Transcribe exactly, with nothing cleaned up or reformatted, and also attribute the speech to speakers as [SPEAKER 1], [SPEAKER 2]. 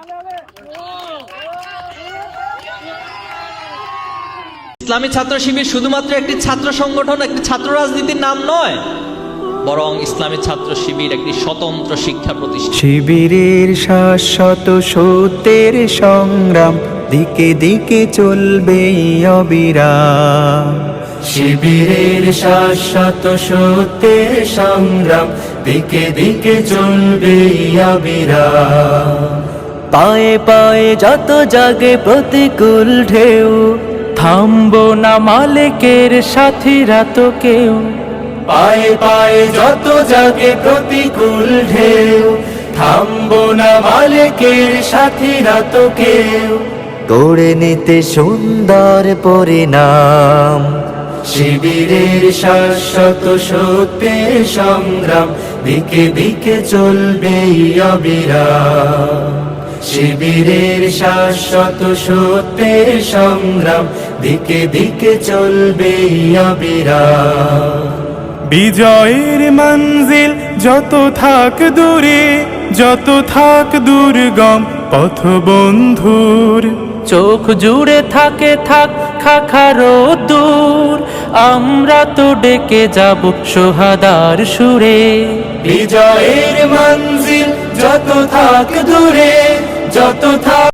[SPEAKER 1] ইসলামী ছাত্র শিবির শুধুমাত্র একটি ছাত্র সংগঠন, একটি ছাত্র রাজনীতির নাম নয়, বরং ইসলামী ছাত্র শিবির একটি স্বতন্ত্র শিক্ষা প্রতিষ্ঠান।
[SPEAKER 2] শিবিরের শাশ্বত সত্যের সংগ্রাম দিকে দিকে চলবে অবিরাম। শিবিরের শাশ্বত সত্যের সংগ্রাম দিকে দিকে চলবে অবিরাম। পায়ে পায়ে যত জাগে প্রতিকূল ঢেউ, থামবো না মালিকের সাথীরা তো কেউ। পায়ে পায়ে যত জাগে প্রতিকূল ঢেউ, থামবো না মালিকের সাথীরা তো কেউ। গড়ে নিতে সুন্দর পরিণাম, শিবিরের শাশ্বত সত্যের সংগ্রাম দিকে দিকে চলবে অবিরাম। শিবিরের শাশ্বত সত্যের সংগ্রাম দিকে দিকে চলবে অবিরাম।
[SPEAKER 3] বিজয়ের মঞ্জিল যত থাক দূরে, যত থাক দুর্গম পথ বন্ধুর,
[SPEAKER 2] চোখ জুড়ে থাকে থাক খাখারো দূর, আমরা তো ডেকে যাব সোহাদার সুরে। বিজয়ের মঞ্জিল যত থাক দূরে, যত থাক